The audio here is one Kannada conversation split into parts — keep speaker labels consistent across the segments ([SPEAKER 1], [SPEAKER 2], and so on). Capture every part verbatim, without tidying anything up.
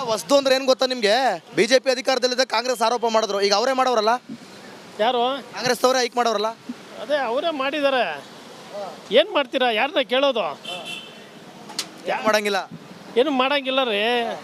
[SPEAKER 1] ಹೊಸ್ದು ಅಂದ್ರೆ ಏನು ಗೊತ್ತಾ ನಿಮಗೆ? ಬಿಜೆಪಿ ಅಧಿಕಾರದಲ್ಲಿದ್ದ ಕಾಂಗ್ರೆಸ್ ಆರೋಪ ಮಾಡಿದ್ರು, ಈಗ ಅವರೇ ಮಾಡೋರಲ್ಲ.
[SPEAKER 2] ಯಾರು?
[SPEAKER 1] ಕಾಂಗ್ರೆಸ್ ಅವರೇ ಹೈಕ್ ಮಾಡೋರಲ್ಲ.
[SPEAKER 2] ಅದೇ ಅವರೇ ಮಾಡಿದ್ದಾರೆ. ಏನು ಮಾಡ್ತೀರಾ? ಯಾರನ್ನ ಕೇಳೋದು?
[SPEAKER 1] ಏನು ಮಾಡಂಗಿಲ್ಲ,
[SPEAKER 2] ಏನು ಮಾಡಂಗಿಲ್ಲ ರೀ.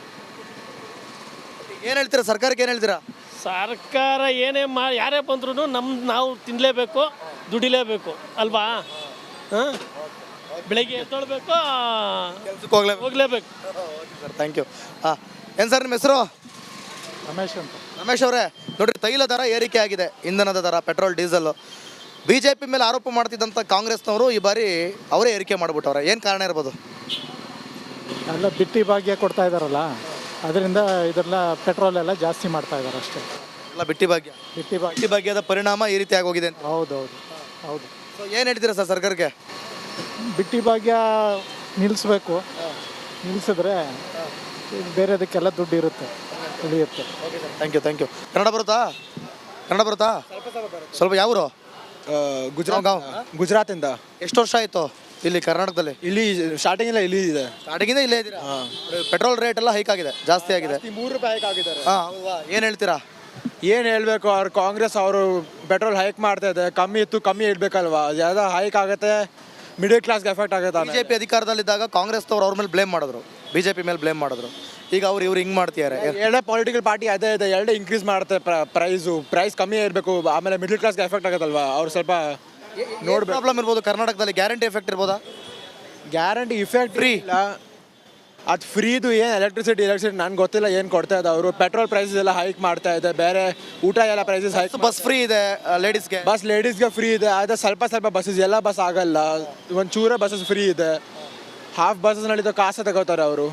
[SPEAKER 1] ಏನು ಹೇಳ್ತೀರಾ ಸರ್ಕಾರಕ್ಕೆ? ಏನು ಹೇಳ್ತೀರಾ?
[SPEAKER 2] ಸರ್ಕಾರ ಏನೇ ಮಾ ಯಾರೇ ಬಂದ್ರೂ ನಮ್ಮ ನಾವು ತಿನ್ನಲೇಬೇಕು, ದುಡಿಲೇಬೇಕು ಅಲ್ವಾ? ಹಾಂ, ಬೆಳಗ್ಗೆ ಎದ್ದೊಳ್ಬೇಕು,
[SPEAKER 1] ಕೆಲ್ಸಕ್ಕೆ ಹೋಗ್ಲೇ
[SPEAKER 2] ಹೋಗ್ಲೇಬೇಕು.
[SPEAKER 1] Sir thank you. ಹಾಂ, ಏನು ಸರ್ ನಿಮ್ಮ ಹೆಸರು?
[SPEAKER 3] ರಮೇಶ್ ಅಂತ.
[SPEAKER 1] ರಮೇಶ್ ಅವರೇ, ನೋಡಿರಿ ತೈಲ ದರ ಏರಿಕೆ ಆಗಿದೆ, ಇಂಧನದ ದರ, petrol diesel. B J P ಮೇಲೆ ಆರೋಪ ಮಾಡ್ತಿದ್ದಂಥ ಕಾಂಗ್ರೆಸ್ನವರು ಈ ಬಾರಿ ಅವರೇ ಏರಿಕೆ ಮಾಡಿಬಿಟ್ಟವ್ರೆ. ಏನು ಕಾರಣ ಇರ್ಬೋದು?
[SPEAKER 3] ಎಲ್ಲ ಬಿಟ್ಟಿ ಭಾಗ್ಯ ಕೊಡ್ತಾ ಇದ್ದಾರಲ್ಲ, ಅದರಿಂದ ಇದೆಲ್ಲ ಪೆಟ್ರೋಲ್ ಎಲ್ಲ ಜಾಸ್ತಿ ಮಾಡ್ತಾ ಇದ್ದಾರೆ ಅಷ್ಟೇ.
[SPEAKER 1] ಎಲ್ಲ ಬಿಟ್ಟಿ ಭಾಗ್ಯ,
[SPEAKER 3] ಬಿಟ್ಟಿ ಭಾಗ್ಯ.
[SPEAKER 1] ಬಿಟ್ಟಿ ಭಾಗ್ಯದ ಪರಿಣಾಮ ಈ ರೀತಿ ಆಗೋಗಿದೆ ಅಂತ.
[SPEAKER 3] ಹೌದೌದು ಹೌದು.
[SPEAKER 1] ಸೊ ಏನು ಹೇಳ್ತೀರಾ ಸರ್ ಸರ್ಕಾರಕ್ಕೆ?
[SPEAKER 3] ಬಿಟ್ಟಿ ಭಾಗ್ಯ ನಿಲ್ಲಿಸ್ಬೇಕು. ನಿಲ್ಲಿಸಿದ್ರೆ ಬೇರೆದಕ್ಕೆಲ್ಲ ದುಡ್ಡು ಇರುತ್ತೆ, ಉಳಿಯುತ್ತೆ.
[SPEAKER 1] Thank you thank you. Kannada ಬರುತ್ತಾ? ಕನ್ನಡ ಬರುತ್ತಾ? ಸ್ವಲ್ಪ ಯಾವರು?
[SPEAKER 4] ಗುಜರಾತ್
[SPEAKER 1] ಗಾಂವ್.
[SPEAKER 4] ಗುಜರಾತಿಂದ.
[SPEAKER 1] ಎಷ್ಟು ವರ್ಷ ಆಯಿತು ಇಲ್ಲಿ ಕರ್ನಾಟಕದಲ್ಲಿ?
[SPEAKER 4] ಇಲ್ಲಿ ಸ್ಟಾರ್ಟಿಂಗ್ ಇಲ್ಲ, ಇಲ್ಲಿ ಇದೆ.
[SPEAKER 1] ಸ್ಟಾರ್ಟಿಂಗಿಂದ ಇಲ್ಲೇ ಇದ್ದೀರಾ? ಪೆಟ್ರೋಲ್ ರೇಟ್ ಎಲ್ಲ ಹೈಕ್ ಆಗಿದೆ, ಜಾಸ್ತಿ ಆಗಿದೆ.
[SPEAKER 4] ಮೂರು ರೂಪಾಯಿ ಹೈಕ್ ಆಗಿದ್ದಾರೆ.
[SPEAKER 1] ಹಾಂ, ಏನು ಹೇಳ್ತೀರಾ?
[SPEAKER 4] ಏನು ಹೇಳಬೇಕು, ಅವ್ರು ಕಾಂಗ್ರೆಸ್ ಅವರು ಪೆಟ್ರೋಲ್ ಹೈಕ್ ಮಾಡ್ತಾ ಇದೆ. ಕಮ್ಮಿ ಇತ್ತು, ಕಮ್ಮಿ ಇಡಬೇಕಲ್ವಾ? ಯಾವ್ದು ಹೈಕ್ ಆಗುತ್ತೆ, ಮಿಡಲ್ ಕ್ಲಾಸ್ಗೆ ಎಫೆಕ್ಟ್ ಆಗುತ್ತೆ.
[SPEAKER 1] ಬಿಜೆಪಿ ಅಧಿಕಾರದಲ್ಲಿದ್ದಾಗ ಕಾಂಗ್ರೆಸ್ನವ್ರು ಅವ್ರ ಮೇಲೆ ಬ್ಲೇಮ್ ಮಾಡಿದ್ರು, ಬಿಜೆಪಿ ಮೇಲೆ ಬ್ಲೇಮ್ ಮಾಡಿದ್ರು. ಈಗ ಅವ್ರು ಇವ್ರು ಹಿಂಗೆ ಮಾಡ್ತಿದ್ದಾರೆ.
[SPEAKER 4] ಎರಡೇ ಪೊಲಿಟಿಕಲ್ ಪಾರ್ಟಿ ಅದೇ ಇದೆ, ಎರಡೇ ಇನ್ಕ್ರೀಸ್ ಮಾಡುತ್ತೆ ಪ್ರೈಸು. ಪ್ರೈಸ್ ಕಮ್ಮಿ ಇರಬೇಕು, ಆಮೇಲೆ ಮಿಡಲ್ ಕ್ಲಾಸ್ಗೆ ಎಫೆಕ್ಟ್ ಆಗುತ್ತಲ್ವಾ? ಅವ್ರು ಸ್ವಲ್ಪ
[SPEAKER 1] ನೋಡಿ ಪ್ರಾಬ್ಲಮ್ ಇರ್ಬೋದು ಕರ್ನಾಟಕದಲ್ಲಿ. ಗ್ಯಾರಂಟಿ ಎಫೆಕ್ಟ್ ಇರ್ಬೋದಾ?
[SPEAKER 4] ಗ್ಯಾರಂಟಿ ಇಫೆಕ್ಟ್ ಫ್ರೀ ಇಲ್ಲ, ಅದು ಫ್ರೀದು ಏನು ಎಲೆಕ್ಟ್ರಿಸಿಟಿ ಎಲೆಕ್ಟ್ರಿಸಿಟಿ ನನಗೆ ಗೊತ್ತಿಲ್ಲ ಏನು ಕೊಡ್ತಾ ಇದೆ ಅವರು. ಪೆಟ್ರೋಲ್ ಪ್ರೈಸಸ್ ಎಲ್ಲ ಹೈಕ್ ಮಾಡ್ತಾ ಇದೆ, ಬೇರೆ ಊಟ ಎಲ್ಲ ಪ್ರೈಸಸ್ ಹೈಕ್.
[SPEAKER 1] ಬಸ್ ಫ್ರೀ ಇದೆ ಲೇಡೀಸ್ಗೆ,
[SPEAKER 4] ಬಸ್ ಲೇಡೀಸ್ಗೆ ಫ್ರೀ ಇದೆ. ಆದರೆ ಸ್ವಲ್ಪ ಸ್ವಲ್ಪ ಬಸ್ಸಸ್, ಎಲ್ಲ ಬಸ್ ಆಗಲ್ಲ, ಒಂದು ಚೂರ ಬಸ್ಸಸ್ ಫ್ರೀ ಇದೆ. ಹಾಫ್ ಬಸ್ಸಸ್ ನಡೀತು ಕಾಸು ತಗೋತಾರೆ ಅವರು.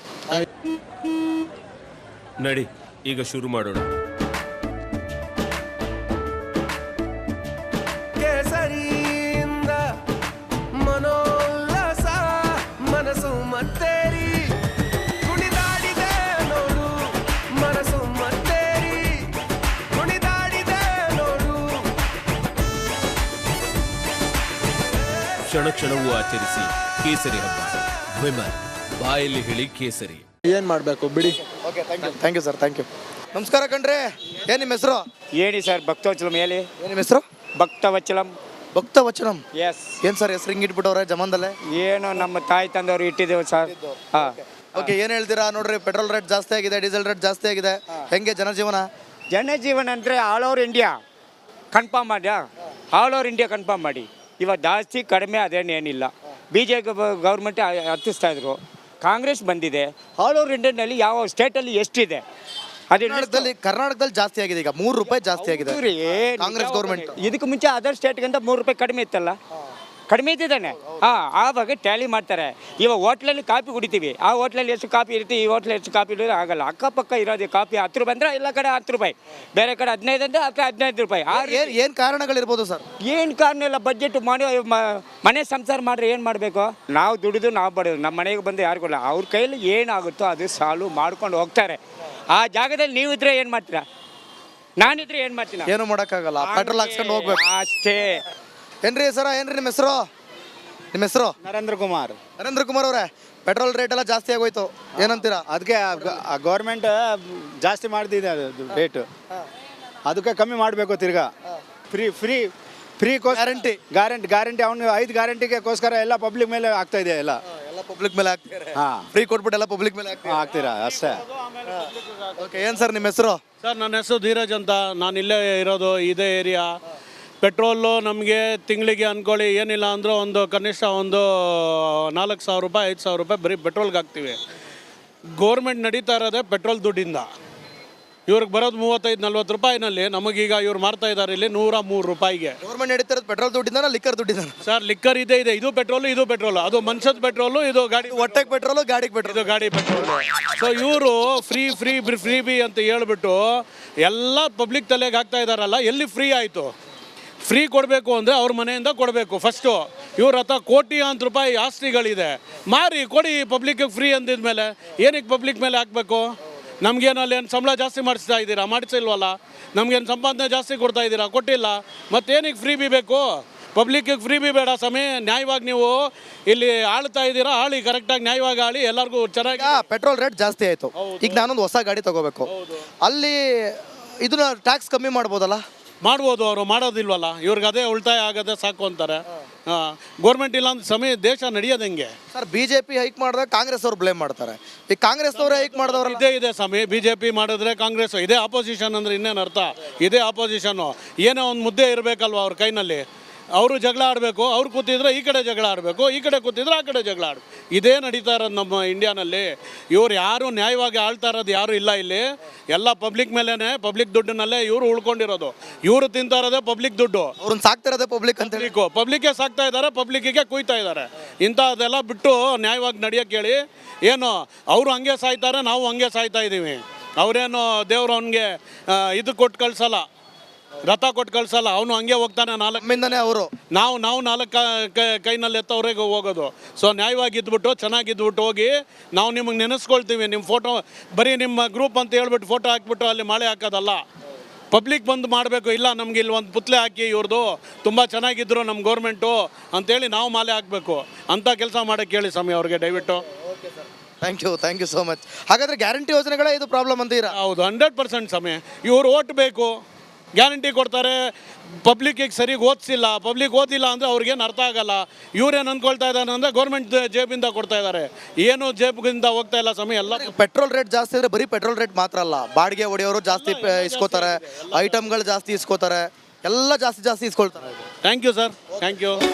[SPEAKER 5] ನಡಿ ಈಗ ಶುರು ಮಾಡೋಣ.
[SPEAKER 6] ಕೇಸರಿಯಿಂದ ಮನೋಲ್ಲಾಸ ಮನಸ್ಸು ಮತ್ತೇರಿ ಕುಣಿದಾಡಿದೆ ನೋಡು, ಮನಸ್ಸು ಮತ್ತೇರಿ ಕುಣಿದಾಡಿದೆ ನೋಡು.
[SPEAKER 5] ಕ್ಷಣ ಕ್ಷಣವೂ ಆಚರಿಸಿ ಕೇಸರಿ ಹಬ್ಬ. ವಿಮಲ್ ಬಾಯಲ್ಲಿ ಹೇಳಿ ಕೇಸರಿ.
[SPEAKER 4] ಏನು ಮಾಡಬೇಕು ಬಿಡಿ.
[SPEAKER 1] Okay thank you thank you sir thank you. ನಮಸ್ಕಾರ ಕಣ್ರಿ, ಏನು ನಿಮ್ಮ ಹೆಸರು?
[SPEAKER 7] ಹೇಳಿ ಸರ್. ಭಕ್ತವಚಲಂ ಹೇಳಿ.
[SPEAKER 1] ಏನು ನಿಮ್ಮ ಹೆಸರು?
[SPEAKER 7] ಭಕ್ತವಚಲಂ.
[SPEAKER 1] ಭಕ್ತ ವಚನಂ.
[SPEAKER 7] ಎಸ್.
[SPEAKER 1] ಏನು ಸರ್ ಹೆಸರು ಹಿಂಗೆ ಇಟ್ಬಿಟ್ಟವ್ರೆ ಜಮಾನ್ದಲ್ಲೇ?
[SPEAKER 7] ಏನು ನಮ್ಮ ತಾಯಿ ತಂದವರು ಇಟ್ಟಿದ್ದೇವೆ ಸರ್. ಹಾಂ,
[SPEAKER 1] ಓಕೆ, ಏನು ಹೇಳ್ತೀರಾ? ನೋಡ್ರಿ ಪೆಟ್ರೋಲ್ ರೇಟ್ ಜಾಸ್ತಿ ಆಗಿದೆ, ಡೀಸೆಲ್ ರೇಟ್ ಜಾಸ್ತಿ ಆಗಿದೆ, ಹೆಂಗೆ ಜನಜೀವನ?
[SPEAKER 7] ಜನಜೀವನ ಅಂದರೆ ಆಲ್ ಓವರ್ ಇಂಡಿಯಾ ಕನ್ಫರ್ಮ್ ಮಾಡಿ, ಆಲ್ ಓವರ್ ಇಂಡಿಯಾ ಕನ್ಫರ್ಮ್ ಮಾಡಿ. ಇವಾಗ ಜಾಸ್ತಿ ಕಡಿಮೆ ಅದೇನೇನಿಲ್ಲ. ಬಿ ಜೆ ಪಿ ಗೌರ್ಮೆಂಟ್ ಹತ್ತಿಸ್ತಾ ಇದ್ರು, ಕಾಂಗ್ರೆಸ್ ಬಂದಿದೆ. ಆಲ್ ಓವರ್ ಇಂಡಿಯಾನಲ್ಲಿ ಯಾವ ಸ್ಟೇಟಲ್ಲಿ ಎಷ್ಟಿದೆ? ಅದೇ
[SPEAKER 1] ಕರ್ನಾಟಕದಲ್ಲಿ ಕರ್ನಾಟಕದಲ್ಲಿ ಜಾಸ್ತಿ ಆಗಿದೆ, ಈಗ ಮೂರು ರೂಪಾಯಿ ಜಾಸ್ತಿ ಆಗಿದೆ ಕಾಂಗ್ರೆಸ್ ಗೌರ್ಮೆಂಟ್.
[SPEAKER 7] ಇದಕ್ಕೆ ಮುಂಚೆ ಅದರ್ ಸ್ಟೇಟ್ಗಿಂತ ಮೂರು ರೂಪಾಯಿ ಕಡಿಮೆ ಇತ್ತಲ್ಲ, ಕಡಿಮೆ ಇದ್ದಿದ್ದಾನೆ. ಹಾಂ, ಆವಾಗ ಟ್ಯಾಲಿ ಮಾಡ್ತಾರೆ. ಇವಾಗ ಹೋಟ್ಲಲ್ಲಿ ಕಾಫಿ ಕುಡಿತೀವಿ, ಆ ಹೋಟ್ಲಲ್ಲಿ ಎಷ್ಟು ಕಾಫಿ ಇರ್ತೀವಿ, ಈ ಹೋಟ್ಲಲ್ಲಿ ಎಷ್ಟು ಕಾಫಿ ಇರೋದು ಆಗಲ್ಲ. ಅಕ್ಕಪಕ್ಕ ಇರೋದು ಕಾಫಿ ಹತ್ತು ರೂಪಾಯಿ ಅಂದರೆ ಎಲ್ಲ ಕಡೆ ಹತ್ತು ರೂಪಾಯಿ, ಬೇರೆ ಕಡೆ ಹದಿನೈದು ಅಂದರೆ ಹತ್ತು ಹದಿನೈದು ರೂಪಾಯಿ.
[SPEAKER 1] ಏನು ಏನು ಕಾರಣಗಳಿರ್ಬೋದು ಸರ್?
[SPEAKER 7] ಏನು ಕಾರಣ ಇಲ್ಲ, ಬಜೆಟ್ ಮಾಡಿ ಮನೆ ಸಂಸಾರ ಮಾಡ್ರೆ ಏನು ಮಾಡಬೇಕು? ನಾವು ದುಡಿದು ನಾವು ಬಡೋದು, ನಮ್ಮ ಮನೆಗೆ ಬಂದು ಯಾರಿಗೂ ಇಲ್ಲ. ಅವ್ರ ಕೈಯಲ್ಲಿ ಏನಾಗುತ್ತೋ ಅದು ಸಾಲು ಮಾಡ್ಕೊಂಡು ಹೋಗ್ತಾರೆ. ಆ ಜಾಗದಲ್ಲಿ ನೀವು ಇದ್ರೆ ಏನು ಮಾಡ್ತೀರಾ? ನಾನಿದ್ರೆ ಏನು ಮಾಡ್ತೀನಿ?
[SPEAKER 1] ಏನು ಮಾಡೋಕ್ಕಾಗಲ್ಲ, ಪೆಟ್ರೋಲ್ ಹಾಕ್ಸ್ಕೊಂಡು ಹೋಗ್ಬೇಕು
[SPEAKER 7] ಅಷ್ಟೇ.
[SPEAKER 1] ಏನ್ರಿ ಸರ, ಏನ್ರಿ ನಿಮ್ಮ ಹೆಸರು? ನಿಮ್ಮ ಹೆಸರು?
[SPEAKER 4] ನರೇಂದ್ರ ಕುಮಾರ್.
[SPEAKER 1] ನರೇಂದ್ರ ಕುಮಾರ್ ಅವರೇ, ಪೆಟ್ರೋಲ್ ರೇಟ್ ಎಲ್ಲ ಜಾಸ್ತಿ ಆಗೋಯ್ತು, ಏನಂತೀರಾ?
[SPEAKER 4] ಅದಕ್ಕೆ ಗೌರ್ಮೆಂಟ್ ಜಾಸ್ತಿ ಮಾಡ್ತಿದೆ ಅದು ರೇಟು, ಅದಕ್ಕೆ ಕಮ್ಮಿ ಮಾಡಬೇಕು ತಿರ್ಗಾ. Free free free
[SPEAKER 1] guarantee
[SPEAKER 4] guarantee guarantee ಅವನು ಐದು ಗ್ಯಾರಂಟಿಗೋಸ್ಕರ ಎಲ್ಲ ಪಬ್ಲಿಕ್ ಮೇಲೆ ಆಗ್ತಾ ಇದೆ. ಎಲ್ಲ
[SPEAKER 1] ಎಲ್ಲ ಪಬ್ಲಿಕ್ ಮೇಲೆ ಹಾಕ್ತಾರೆ.
[SPEAKER 4] ಹಾಂ,
[SPEAKER 1] ಫ್ರೀ ಕೊಟ್ಬಿಟ್ಟು ಎಲ್ಲ ಪಬ್ಲಿಕ್ ಮೇಲೆ ಹಾಕ್ತಾರೆ.
[SPEAKER 4] ಆಗ್ತೀರಾ ಅಷ್ಟೇ.
[SPEAKER 1] ಓಕೆ, ಏನು ಸರ್ ನಿಮ್ಮ ಹೆಸರು?
[SPEAKER 2] ಸರ್ ನನ್ನ ಹೆಸರು ಧೀರಜ್ ಅಂತ. ನಾನು ಇಲ್ಲೇ ಇರೋದು, ಇದೇ ಏರಿಯಾ. ಪೆಟ್ರೋಲು ನಮಗೆ ತಿಂಗಳಿಗೆ ಅಂದ್ಕೊಳ್ಳಿ ಏನಿಲ್ಲ ಅಂದರೂ ಒಂದು ಕನಿಷ್ಠ ಒಂದು ನಾಲ್ಕು ಸಾವಿರ ರೂಪಾಯಿ ಐದು ಸಾವಿರ ರೂಪಾಯಿ ಬರೀ ಪೆಟ್ರೋಲ್ಗೆ ಹಾಕ್ತೀವಿ. ಗೋರ್ಮೆಂಟ್ ನಡೀತಾ ಇರೋದೇ ಪೆಟ್ರೋಲ್ ದುಡ್ಡಿಂದ. ಇವ್ರಿಗೆ ಬರೋದು ಮೂವತ್ತೈದು ನಲ್ವತ್ತು ರೂಪಾಯಿನಲ್ಲಿ, ನಮಗೀಗ ಇವ್ರು ಮಾರ್ತಾ ಇದ್ದಾರೆ ಇಲ್ಲಿ ನೂರ ಮೂರು ರೂಪಾಯಿಗೆ.
[SPEAKER 1] ಗೌರ್ಮೆಂಟ್ ನಡೀತಿರೋದು ಪೆಟ್ರೋಲ್ ದುಡ್ಡಿಂದ, ಲಿಕ್ಕರ್ ದುಡ್ಡಿಂದ?
[SPEAKER 2] ಸರ್ ಲಿಕ್ಕರ್ ಇದೆ ಇದೆ, ಇದು ಪೆಟ್ರೋಲು ಇದು ಪೆಟ್ರೋಲು, ಅದು ಮನುಷ್ಯದ ಪೆಟ್ರೋಲು, ಇದು ಗಾಡಿ
[SPEAKER 1] ಹೊಟ್ಟೆಗೆ ಪೆಟ್ರೋಲು, ಗಾಡಿಗೆ ಪೆಟ್ರೋಲ್,
[SPEAKER 2] ಇದು ಗಾಡಿ ಪೆಟ್ರೋಲು. ಸೊ ಇವರು ಫ್ರೀ ಫ್ರೀ ಫ್ರೀ ಬಿ ಅಂತ ಹೇಳ್ಬಿಟ್ಟು ಎಲ್ಲ ಪಬ್ಲಿಕ್ ತಲೆಗೆ ಹಾಕ್ತಾ ಇದ್ದಾರಲ್ಲ. ಎಲ್ಲಿ ಫ್ರೀ ಆಯಿತು? ಫ್ರೀ ಕೊಡಬೇಕು ಅಂದರೆ ಅವ್ರ ಮನೆಯಿಂದ ಕೊಡಬೇಕು ಫಸ್ಟು. ಇವ್ರ ಹತ್ರ ಕೋಟ್ಯಾಂತರ ರೂಪಾಯಿ ಆಸ್ತಿಗಳಿದೆ, ಮಾರಿ ಕೊಡಿ ಪಬ್ಲಿಕ್ಗೆ ಫ್ರೀ ಅಂದಿದ್ಮೇಲೆ ಏನಕ್ಕೆ ಪಬ್ಲಿಕ್ ಮೇಲೆ ಹಾಕಬೇಕು? ನಮಗೇನು ಅಲ್ಲಿ ಏನು ಸಂಬಳ ಜಾಸ್ತಿ ಮಾಡಿಸ್ತಾ ಇದ್ದೀರಾ? ಮಾಡಿಸಿಲ್ವಲ್ಲ. ನಮಗೇನು ಸಂಪಾದನೆ ಜಾಸ್ತಿ ಕೊಡ್ತಾ ಇದ್ದೀರಾ? ಕೊಟ್ಟಿಲ್ಲ. ಮತ್ತೇನಕ್ಕೆ ಫ್ರೀ ಬಿ ಬೇಕು? ಪಬ್ಲಿಕ್ಕಿಗೆ ಫ್ರೀ ಬಿ ಬೇಡ ಸಮಯ ನ್ಯಾಯವಾಗಿ ನೀವು ಇಲ್ಲಿ ಆಳ್ತಾ ಇದ್ದೀರಾ ಆಳಿ ಕರೆಕ್ಟಾಗಿ ನ್ಯಾಯವಾಗಿ ಆಳಿ ಎಲ್ಲರಿಗೂ ಚೆನ್ನಾಗಿ
[SPEAKER 1] ಈಗ ಪೆಟ್ರೋಲ್ ರೇಟ್ ಜಾಸ್ತಿ ಆಯಿತು. ಈಗ ನಾನೊಂದು ಹೊಸ ಗಾಡಿ ತಗೋಬೇಕು, ಅಲ್ಲಿ ಇದನ್ನ ಟ್ಯಾಕ್ಸ್ ಕಮ್ಮಿ ಮಾಡ್ಬೋದಲ್ಲ?
[SPEAKER 2] ಮಾಡ್ಬೋದು, ಅವರು ಮಾಡೋದಿಲ್ವಲ್ಲ, ಇವ್ರಿಗೆ ಅದೇ ಉಳಿತಾಯ ಆಗದೆ ಸಾಕು ಅಂತಾರೆ. ಹಾಂ, ಗೋರ್ಮೆಂಟ್ ಇಲ್ಲ ಅಂದ್ರೆ ಸಮಯ ದೇಶ ನಡೆಯೋದು ಹೆಂಗೆ
[SPEAKER 1] sir? B J P hike ಮಾಡಿದಾಗ ಕಾಂಗ್ರೆಸ್ ಅವ್ರು ಬ್ಲೇಮ್ ಮಾಡ್ತಾರೆ. ಈಗ ಕಾಂಗ್ರೆಸ್ ಅವರೇ ಹೈಕ್ ಮಾಡಿದವ್ರಲ್ಲ.
[SPEAKER 2] ಇದೇ ಇದೆ ಸಮಯ ಬಿ ಜೆ ಪಿ ಮಾಡಿದ್ರೆ ಕಾಂಗ್ರೆಸ್ ಇದೇ ಆಪೋಸಿಷನ್ ಅಂದ್ರೆ ಇನ್ನೇನು ಅರ್ಥ? ಇದೇ ಆಪೋಸಿಷನ್ನು. ಏನೋ ಒಂದು ಮುದ್ದೆ ಇರಬೇಕಲ್ವ ಅವ್ರ ಕೈನಲ್ಲಿ. ಅವರು ಜಗಳ ಆಡಬೇಕು, ಅವ್ರು ಕೂತಿದ್ರೆ ಈ ಕಡೆ ಜಗಳ ಆಡಬೇಕು, ಈ ಕಡೆ ಕೂತಿದ್ರೆ ಆ ಕಡೆ ಜಗಳ ಆಡಬೇಕು. ಇದೇ ನಡೀತಾ ಇರೋದು ನಮ್ಮ ಇಂಡಿಯಾನಲ್ಲಿ. ಇವ್ರು ಯಾರು ನ್ಯಾಯವಾಗಿ ಆಳ್ತಾ ಇರೋದು ಯಾರು ಇಲ್ಲ ಇಲ್ಲಿ. ಎಲ್ಲ ಪಬ್ಲಿಕ್ ಮೇಲೇ, ಪಬ್ಲಿಕ್ ದುಡ್ಡಿನಲ್ಲೇ ಇವರು ಉಳ್ಕೊಂಡಿರೋದು. ಇವರು ತಿಂತಾ ಇರೋದೇ ಪಬ್ಲಿಕ್ ದುಡ್ಡು.
[SPEAKER 1] ಅವ್ರನ್ನ ಸಾಕ್ತಿರೋದೇ ಪಬ್ಲಿಕ್ ಅಂತ ಹೇಳಿ.
[SPEAKER 2] ಪಬ್ಲಿಕ್ಕು ಪಬ್ಲಿಕ್ಗೆ ಸಾಕ್ತಾ ಇದ್ದಾರೆ, ಪಬ್ಲಿಕ್ಕಿಗೆ ಕುಯ್ತಾ ಇದ್ದಾರೆ. ಇಂಥದ್ದೆಲ್ಲ ಬಿಟ್ಟು ನ್ಯಾಯವಾಗಿ ನಡೆಯೋಕ್ಕೆ ಹೇಳಿ. ಏನು ಅವರು ಹಂಗೆ ಸಾಯ್ತಾರೆ, ನಾವು ಹಂಗೆ ಸಾಯ್ತಾ ಇದ್ದೀವಿ. ಅವರೇನು ದೇವ್ರು ಅವನಿಗೆ ಇದು ಕೊಟ್ಟು ಕಳ್ಸಲ್ಲ, ರಥ ಕೊಟ್ಟು ಕಳ್ಸಲ್ಲ, ಅವನು ಹಂಗೆ ಹೋಗ್ತಾನೆ ನಾಲ್ಕು.
[SPEAKER 1] ನಮ್ಮಿಂದನೇ ಅವರು
[SPEAKER 2] ನಾವು ನಾವು ನಾಲ್ಕು ಕೈನಲ್ಲಿ ಎತ್ತವ್ರಿಗೆ ಹೋಗೋದು. ಸೊ ನ್ಯಾಯವಾಗಿ ಇದ್ಬಿಟ್ಟು ಚೆನ್ನಾಗಿದ್ಬಿಟ್ಟು ಹೋಗಿ ನಾವು ನಿಮಗೆ ನೆನೆಸ್ಕೊಳ್ತೀವಿ. ನಿಮ್ಮ ಫೋಟೋ ಬರೀ ನಿಮ್ಮ ಗ್ರೂಪ್ ಅಂತ ಹೇಳ್ಬಿಟ್ಟು ಫೋಟೋ ಹಾಕ್ಬಿಟ್ಟು ಅಲ್ಲಿ ಮಳೆ ಹಾಕೋದಲ್ಲ. ಪಬ್ಲಿಕ್ ಬಂದು ಮಾಡಬೇಕು. ಇಲ್ಲ ನಮ್ಗೆ ಇಲ್ಲಿ ಒಂದು ಪುತ್ಲೆ ಹಾಕಿ ಇವ್ರದ್ದು ತುಂಬ ಚೆನ್ನಾಗಿದ್ರು ನಮ್ಮ ಗೌರ್ಮೆಂಟು ಅಂತೇಳಿ ನಾವು ಮಾಲೆ ಹಾಕಬೇಕು. ಅಂಥ ಕೆಲಸ ಮಾಡೋಕ್ಕೆ ಹೇಳಿ ಸ್ವಾಮಿ ಅವ್ರಿಗೆ ದಯವಿಟ್ಟು.
[SPEAKER 1] Thank you thank you so much. ಹಾಗಾದ್ರೆ ಗ್ಯಾರಂಟಿ ಯೋಜನೆಗಳೇ ಇದು ಪ್ರಾಬ್ಲಮ್ ಅಂತೀರಾ?
[SPEAKER 2] ಹೌದು, ಹಂಡ್ರೆಡ್ ಪರ್ಸೆಂಟ್ ಸಮಯ. ಇವ್ರು ಓಟ್ ಬೇಕು, ಗ್ಯಾರಂಟಿ ಕೊಡ್ತಾರೆ, ಪಬ್ಲಿಕ್ಕಿಗೆ ಸರಿಗೆ ಓದಿಸಿಲ್ಲ. ಪಬ್ಲಿಕ್ ಓದಿಲ್ಲ ಅಂದರೆ ಅವ್ರಿಗೇನು ಅರ್ಥ ಆಗಲ್ಲ. ಇವ್ರೇನು ಅಂದ್ಕೊಳ್ತಾ ಇದ್ದಾರೆ ಅಂದರೆ ಗೌರ್ಮೆಂಟ್ ಜೇಬಿಂದ ಕೊಡ್ತಾ ಇದ್ದಾರೆ, ಏನು ಜೇಬಿಂದ ಹೋಗ್ತಾ ಇಲ್ಲ ಸಮಯ. ಎಲ್ಲ
[SPEAKER 1] ಪೆಟ್ರೋಲ್ ರೇಟ್ ಜಾಸ್ತಿ ಅಂದರೆ ಬರೀ ಪೆಟ್ರೋಲ್ ರೇಟ್ ಮಾತ್ರ ಅಲ್ಲ, ಬಾಡಿಗೆ ಹೊಡೆಯೋರು ಜಾಸ್ತಿ ಪ- ಇಸ್ಕೋತಾರೆ, ಐಟಮ್ಗಳು ಜಾಸ್ತಿ ಇಸ್ಕೋತಾರೆ, ಎಲ್ಲ ಜಾಸ್ತಿ ಜಾಸ್ತಿ ಇಸ್ಕೊಳ್ತಾರೆ.
[SPEAKER 2] Thank you sir, thank you.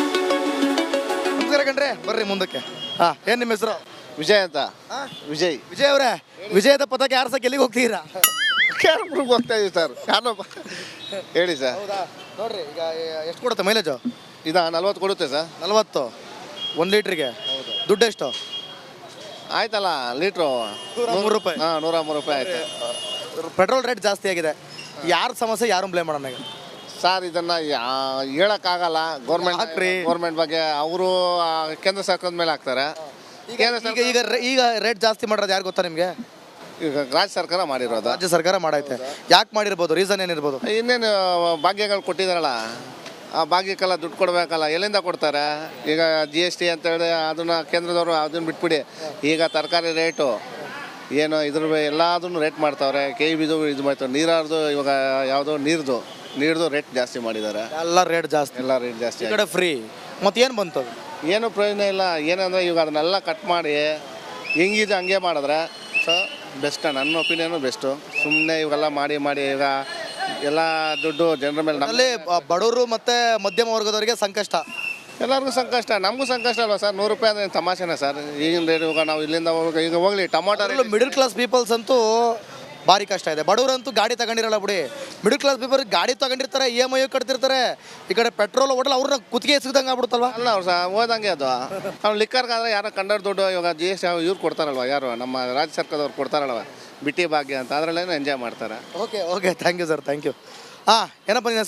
[SPEAKER 1] ನಮಸ್ಕಾರ ಕಣ್ರಿ, ಬರ್ರಿ ಮುಂದಕ್ಕೆ. ಹಾಂ, ಏನು ನಿಮ್ಮ ಹೆಸರು?
[SPEAKER 8] ವಿಜಯ್ ಅಂತ. ವಿಜಯ್
[SPEAKER 1] ವಿಜಯ್ ಅವರೇ, ವಿಜಯದ ಪದಕ್ಕೆ ಯಾರು ಸಹ ಎಲ್ಲಿಗೆ ಹೋಗ್ತೀರಾ?
[SPEAKER 8] ಕ್ಯಾರಮ್ಗೆ ಹೋಗ್ತಾ ಇದೀವಿ ಸರ್. ಕಾರಣಪ್ಪ ಹೇಳಿ ಸರ್.
[SPEAKER 1] ಹೌದಾ? ನೋಡ್ರಿ, ಈಗ ಎಷ್ಟು ಕೊಡುತ್ತೆ ಮೈಲೇಜು?
[SPEAKER 8] ಇದು ನಲ್ವತ್ತು ಕೊಡುತ್ತೆ ಸರ್.
[SPEAKER 1] ನಲ್ವತ್ತು ಒಂದು ಲೀಟ್ರಿಗೆ. ದುಡ್ಡು ಎಷ್ಟು?
[SPEAKER 8] ಆಯ್ತಲ್ಲ ಲೀಟ್ರು
[SPEAKER 1] ಮೂರು ರೂಪಾಯಿ.
[SPEAKER 8] ಹಾಂ, ನೂರ ಮೂರು ರೂಪಾಯಿ ಆಯ್ತು.
[SPEAKER 1] ಪೆಟ್ರೋಲ್ ರೇಟ್ ಜಾಸ್ತಿ ಆಗಿದೆ. ಯಾರ ಸಮಸ್ಯೆ ಯಾರು ಬ್ಲೇಮ್ ಮಾಡೋಣ ಈಗ?
[SPEAKER 8] ಸರ್ ಇದನ್ನು ಹೇಳೋಕ್ಕಾಗಲ್ಲ. ಗೌರ್ಮೆಂಟ್
[SPEAKER 1] ಹಾಕ್ರಿ.
[SPEAKER 8] ಗೌರ್ಮೆಂಟ್ ಬಗ್ಗೆ ಅವರು ಕೇಂದ್ರ ಸರ್ಕಾರದ ಮೇಲೆ ಹಾಕ್ತಾರೆ. ಕೇಂದ್ರ
[SPEAKER 1] ಈಗ
[SPEAKER 8] ಸರ್ಕಾರ
[SPEAKER 1] ಈಗ ರೇ- ಈಗ ರೇಟ್ ಜಾಸ್ತಿ ಮಾಡೋದು ಯಾರು ಗೊತ್ತಾ ನಿಮಗೆ?
[SPEAKER 8] ಈಗ ರಾಜ್ಯ ಸರ್ಕಾರ ಮಾಡಿರೋದು.
[SPEAKER 1] ರಾಜ್ಯ ಸರ್ಕಾರ ಮಾಡೈತೆ. ಯಾಕೆ ಮಾಡಿರ್ಬೋದು? ರೀಸನ್ ಏನಿರ್ಬೋದು?
[SPEAKER 8] ಇನ್ನೇನು ಭಾಗ್ಯಗಳು ಕೊಟ್ಟಿದ್ದಾರಲ್ಲ, ಆ ಭಾಗ್ಯಕ್ಕೆಲ್ಲ ದುಡ್ಡು ಕೊಡಬೇಕಲ್ಲ, ಎಲ್ಲಿಂದ ಕೊಡ್ತಾರೆ? ಈಗ ಜಿ ಎಸ್ ಟಿ ಅಂತೇಳಿ ಅದನ್ನು ಕೇಂದ್ರದವರು ಅದನ್ನು ಬಿಟ್ಬಿಡಿ. ಈಗ ತರಕಾರಿ ರೇಟು ಏನು ಇದ್ರ ಎಲ್ಲದನ್ನು ರೇಟ್ ಮಾಡ್ತಾವ್ರೆ. ಕೆ ಬಿದು ಇದು ಮಾಡ್ತಾರೆ. ನೀರಾರ್ದು ಇವಾಗ ಯಾವುದೋ ನೀರ್ದು ನೀರ್ದು ರೇಟ್ ಜಾಸ್ತಿ ಮಾಡಿದ್ದಾರೆ.
[SPEAKER 1] ಎಲ್ಲ ರೇಟ್ ಜಾಸ್ತಿ,
[SPEAKER 8] ಎಲ್ಲ ರೇಟ್ ಜಾಸ್ತಿ
[SPEAKER 1] ಈ ಕಡೆ ಫ್ರೀ. ಮತ್ತೆ ಏನು ಬಂತು?
[SPEAKER 8] ಏನು ಪ್ರಯೋಜನ ಇಲ್ಲ. ಏನಂದರೆ ಇವಾಗ ಅದನ್ನೆಲ್ಲ ಕಟ್ ಮಾಡಿ ಹೆಂಗಿದೆ ಹಂಗೆ ಮಾಡಿದ್ರೆ ಸೊ ಬೆಸ್ಟ್. ನನ್ನ ಒಪಿನಿಯನು ಬೆಸ್ಟು. ಸುಮ್ಮನೆ ಇವೆಲ್ಲ ಮಾಡಿ ಮಾಡಿ ಈಗ ಎಲ್ಲ ದುಡ್ಡು ಜನರ ಮೇಲೆ ನಮ್ಮ
[SPEAKER 1] ಅಲ್ಲಿ ಬ- ಬಡವರು ಮತ್ತೆ ಮಧ್ಯಮ ವರ್ಗದವರಿಗೆ ಸಂಕಷ್ಟ.
[SPEAKER 8] ಎಲ್ಲರಿಗೂ ಸಂಕಷ್ಟ, ನಮಗೂ ಸಂಕಷ್ಟ ಅಲ್ವಾ ಸರ್? ನೂರು ರೂಪಾಯಿ ಅಂದರೆ ತಮಾಷೆನ ಸರ್ ಈಗಿನ ರೇಟ್? ಇವಾಗ ನಾವು ಇಲ್ಲಿಂದ ಹೋಗಿ ಈಗ ಹೋಗ್ಲಿ tomato rate
[SPEAKER 1] middle class peoples ಅಂತೂ ಭಾರಿ ಕಷ್ಟ ಇದೆ. ಬಡವರಂತೂ ಗಾಡಿ ತಗೊಂಡಿರಲ್ಲ ಬಿಡಿ. ಮಿಡಲ್ ಕ್ಲಾಸ್ ಪೀಪಲ್ ಗಾಡಿ ತಗೊಂಡಿರ್ತಾರೆ, ಇ ಎಮ್ ಐ ಕಟ್ತಿರ್ತಾರೆ. ಈ ಕಡೆ ಪೆಟ್ರೋಲ್ ಹೋಟೆಲ್ ಅವ್ರನ್ನ ಕುತ್ತಿಗೆ ಸಿಗ್ದಂಗೆ ಆಗ್ಬಿಡುತ್ತಲ್ವಾ?
[SPEAKER 8] ಅಲ್ಲ ಅವ್ರು ಸಹ ಓದಂಗೆ ಅದು. ಅವ್ನು ಲಿಕ್ಕರ್ಗಾದ್ರೆ ಯಾರೋ ಕಂಡರ್ ದುಡ್ಡು ಇವಾಗ ಜಿ ಎಸ್ ಟಿ ಇವ್ರು ಕೊಡ್ತಾರಲ್ವ, ಯಾರು ನಮ್ಮ ರಾಜ್ಯ ಸರ್ಕಾರದವ್ರು ಕೊಡ್ತಾರಲ್ವ, ಬಿಟ್ಟಿ ಭಾಗ್ಯ ಅಂತ, ಅದರಲ್ಲೇನೋ ಎಂಜಾಯ್ ಮಾಡ್ತಾರೆ.
[SPEAKER 1] Okay okay thank you sir, thank you. ಹಾಂ, ಏನಪ್ಪ ನಿನ್ನ